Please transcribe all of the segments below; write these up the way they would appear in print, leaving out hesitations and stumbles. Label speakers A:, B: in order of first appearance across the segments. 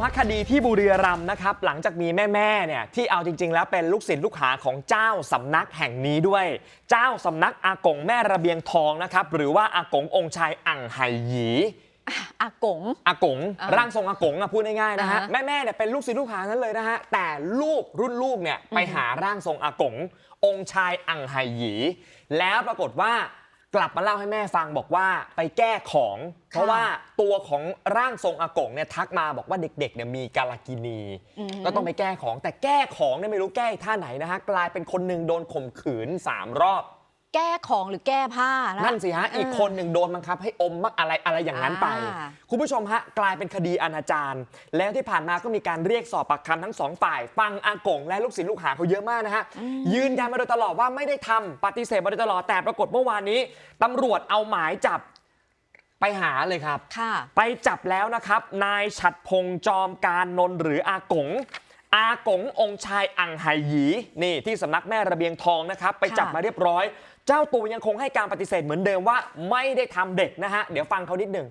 A: ฮะคดีที่บุรีรัมย์นะครับหลังจากมีแม่เนี่ยที่เอาจริงๆแล้วเป็นลูกศิษย์ลูกหาของเจ้าสำนักแห่งนี้ด้วยเจ้าสำนักอากงแม่ระเบียงทองนะครับหรือว่าอากงองค์ชายอั่งไห่หยี
B: อากง
A: ร่างทรงอากงพูดง่ายๆนะฮะแม่เนี่ยเป็นลูกศิษย์ลูกหานั้นเลยนะฮะแต่ลูกรุ่นลูกเนี่ยไปหาร่างทรงอากงองค์ชายอั่งไห่หยีแล้วปรากฏว่ากลับมาเล่าให้แม่ฟังบอกว่าไปแก้ของเพราะว่าตัวของร่างทรงอากงเนี่ยทักมาบอกว่าเด็กๆเนี่ยมีกาลกินีก็ต้องไปแก้ของแต่แก้ของเนี่ยไม่รู้แก้ท่าไหนนะฮะกลายเป็นคนหนึ่งโดนข่มขืน3 รอบ
B: แก้ของหรือแก้ผ้า
A: นั่นสิฮะอีกคนหนึ่งโดนบังคับให้อมมักอะไรอย่างนั้นไปคุณผู้ชมฮะกลายเป็นคดีอนาจารแล้วที่ผ่านมาก็มีการเรียกสอบปากคำทั้ง2 ฝ่ายฟังอากงและลูกศิษย์ลูกหาเขาเยอะมากนะฮะยืนยันมาโดยตลอดว่าไม่ได้ทำปฏิเสธมาโดยตลอดแต่ปรากฏเมื่อวานนี้ตำรวจเอาหมายจับไปหาเลยครับไปจับแล้วนะครับนายฉัตรพงษ์จอมการนนท์หรืออากงองค์ชายอั่งไห่หยีนี่ที่สำนักแม่ระเบียงทองนะครับไปจับมาเรียบร้อยเจ้าตัวยังคงให้การปฏิเสธเหมือนเดิมว่าไม่ได้ทำเด็กนะฮะเดี๋ยวฟังเขานิดหนึ่ง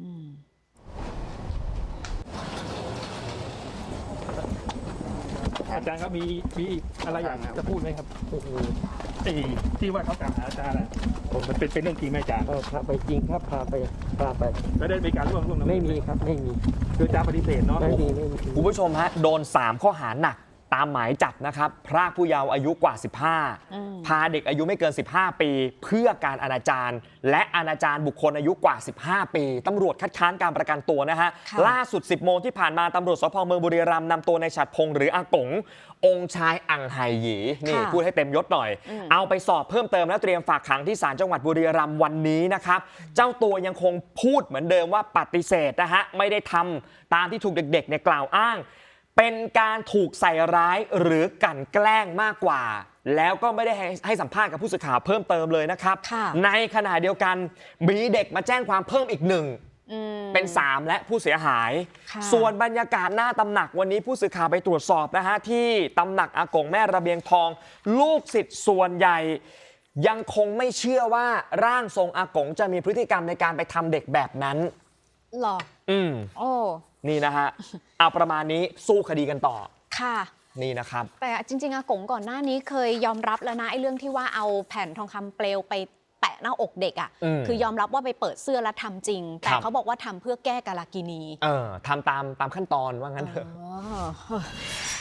C: อาจารย์ครับมีอะไรอยากจะพูดไหมครับที่ว่าเขากล่าวหาอาจารย์ผมมันเป็นเรื่องจริงไหมอาจารย์
D: พาไปจริงครับพาไป
C: แล้วได้มีการร่วม
D: ไม่มีครับไม่มี
C: คืออาจารย์ปฏิเสธเนาะ
D: ไม่มี
A: คุณผู้ชมฮะโดน3 ข้อหาหนักตามหมายจับนะครับพรากผู้เยาว์อายุกว่า15พาเด็กอายุไม่เกิน15 ปีเพื่อการอนาจารและอนาจารบุคคลอายุกว่า15 ปีตำรวจคัดค้านการประกันตัวนะฮะล่าสุด 10 โมงที่ผ่านมาตำรวจสพ.เมืองบุรีรัมย์นำตัวในฉัตรพงษ์หรืออากงองค์ชายอั่งไห่หยีนี่พูดให้เต็มยศหน่อยเอาไปสอบเพิ่มเติมและเตรียมฝากขังที่ศาลจังหวัดบุรีรัมย์วันนี้นะครับเจ้าตัวยังคงพูดเหมือนเดิมว่าปฏิเสธนะฮะไม่ได้ทำตามที่ถูกเด็กๆเนี่ยกล่าวอ้างเป็นการถูกใส่ร้ายหรือกลั่นแกล้งมากกว่าแล้วก็ไม่ได้ให้สัมภาษณ์กับผู้สื่อข่าวเพิ่มเติมเลยนะครับในขณะเดียวกันมีเด็กมาแจ้งความเพิ่มอีก1เป็น3และผู้เสียหายส่วนบรรยากาศหน้าตำหนักวันนี้ผู้สื่อข่าวไปตรวจสอบนะฮะที่ตำหนักอากงแม่ระเบียงทองลูกศิษย์ส่วนใหญ่ยังคงไม่เชื่อว่าร่างทรงอากงจะมีพฤติกรรมในการไปทำเด็กแบบนั้น
B: หรอโอ้
A: นี่นะฮะเอาประมาณนี้สู้คดีกันต่อ
B: ค่ะ
A: นี่นะครับ
B: แต่จริงๆอากงก่อนหน้านี้เคยยอมรับแล้วนะไอ้เรื่องที่ว่าเอาแผ่นทองคำเปลวไปแปะหน้าอกเด็กคือยอมรับว่าไปเปิดเสื้อแล้วทำจริงแต่เขาบอกว่าทำเพื่อแก้กาลกินี
A: ทำตามขั้นตอนว่างั้นเถอะ